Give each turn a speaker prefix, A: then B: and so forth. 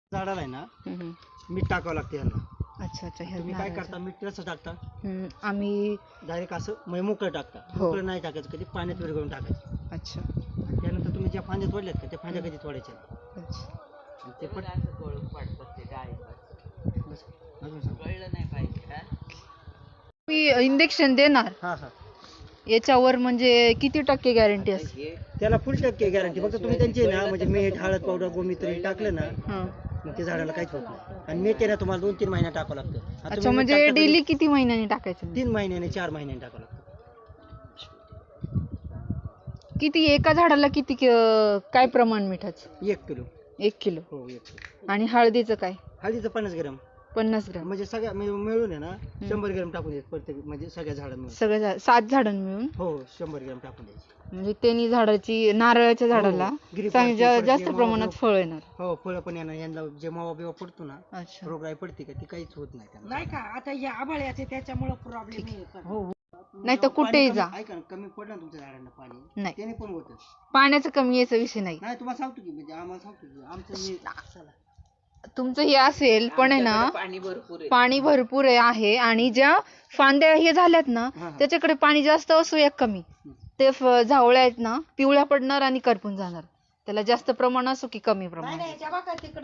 A: झाडाला आहे ना
B: हम्म.
A: मीठ टाकावं लागते यांना.
B: अच्छा अच्छा ह्या
A: तुम्ही काय
B: नारळाचं.
A: करता, मीठ कसं टाकता?
B: आम्ही
A: डायरेक्ट असं म्हणजे मोकळं टाकता.
B: हो.
A: मोकळं नाही टाकायचं, कधी पाण्यात विरघळून टाकायचं.
B: अच्छा
A: आणि त्यानंतर तुम्ही ज्या फांद्या तोडल्यात का त्या फांद्या कधी तोडायच्या.
B: अच्छा
A: आणि ते पण बस. अजून सांग.
B: मी इंजेक्शन देणार
A: हा हा
B: याच्यावर म्हणजे किती टक्के गॅरंटी असते?
A: त्याला फुल टक्के गॅरंटी. फक्त तुम्ही त्यांची ना म्हणजे मीठ, हळद पावडर, गोमित्र हे टाकलं ना
B: हां.
A: मग ते झाडाला काहीच होत नाही. आणि मीठ आहे ना तुम्हाला 2-3 महिन्यात टाकावं लागतं. आता
B: अच्छा
A: तुम्ही मीठ
B: म्हणजे
A: टाकता कधी?
B: डेली किती महिन्यांनी टाकायचं?
A: 3 महिन्याने 4 महिन्याने टाकावं लागतं.
B: किती एका झाडाला किती काय प्रमाण मिठाचं?
A: 1 किलो.
B: 1 किलो.
A: हो 1 किलो.
B: आणि हळदीचं काय?
A: हळदीचं 50 ग्रॅम.
B: 50 ग्राम.
A: म्हणजे सगळ्या मिळून आहे ना 100 ग्रॅम टाकून द्यायचे प्रत्येक, म्हणजे सगळ्या झाडांना मिळून.
B: सगळ्या 7 झाडांना मिळून
A: हो 100 ग्रॅम टाकून द्यायचे.
B: म्हणजे त्यांनी झाडाची नारळाच्या झाडाला जास्त प्रमाणात फळ येणार.
A: हो फळं पण येणार. यांना जे मावा बिवा पडतो ना,
B: अच्छा
A: रोगराई पडते का ती काहीच होत नाही त्यांना.
C: नाही का आता या आभाळ्याचे त्याच्यामुळे प्रॉब्लेम येतो.
A: हो
B: नाही तर कुठेही जा.
A: ऐका ना, कमी पडलं ना तुमच्या झाडांना पाणी,
B: नाही.
A: त्याने पण होतं.
B: पाण्याचा कमी याचा विषय नाही.
A: नाही तुम्हाला सांगतो की, म्हणजे आम्हाला सांगतो की आमचं हे चला.
B: तुमचं हे असेल पण आहे ना पाणी भरपूर आहे आणि ज्या फांद्या हे झाल्यात ना
A: हा.
B: त्याच्याकडे पाणी जास्त असो या कमी ते झावळ्या आहेत ना पिवळ्या पडणार आणि करपून जाणार. त्याला जास्त प्रमाण असो की कमी प्रमाण.
C: नाही, नाही, त्या बघा तिकडं